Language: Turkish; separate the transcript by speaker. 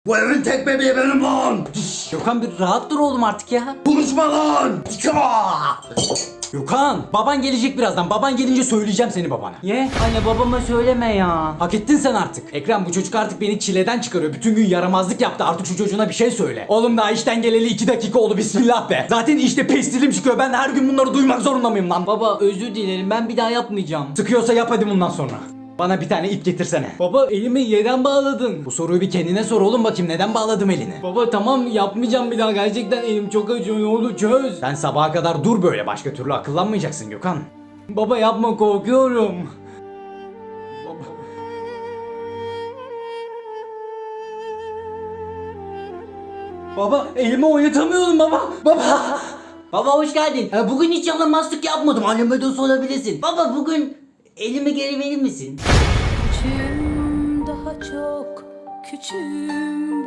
Speaker 1: Bu evin tek bebeği benim lan.
Speaker 2: Gökhan bir rahat dur oğlum artık ya.
Speaker 1: Konuşma lan.
Speaker 2: Gökhan baban gelecek birazdan. Baban gelince söyleyeceğim seni babana.
Speaker 3: Ye anne babama söyleme ya.
Speaker 2: Hak ettin sen artık. Ekrem bu çocuk artık beni çileden çıkarıyor. Bütün gün yaramazlık yaptı. Artık şu çocuğuna bir şey söyle. Oğlum daha işten geleli 2 dakika oldu. Bismillah be. Zaten işte pestilim çıkıyor. Ben her gün bunları duymak zorunda mıyım lan?
Speaker 3: Baba özür dilerim ben bir daha yapmayacağım.
Speaker 2: Sıkıyorsa yap hadi bundan sonra. Bana bir tane ip getirsene.
Speaker 3: Baba elimi yerden bağladın.
Speaker 2: Bu soruyu bir kendine sor oğlum bakayım. Neden bağladım elini?
Speaker 3: Baba tamam yapmayacağım bir daha gerçekten elim çok acıyor ne olur çöz.
Speaker 2: Sen sabaha kadar dur böyle. Başka türlü akıllanmayacaksın Gökhan.
Speaker 3: Baba yapma korkuyorum.
Speaker 2: Baba elimi oynatamıyorum baba. Baba.
Speaker 3: Baba hoş geldin. Bugün hiç yalamazlık yapmadım. Anneme de sorabilirsin. Baba bugün elimi geri verir misin?
Speaker 4: Küçüğüm daha çok küçüğüm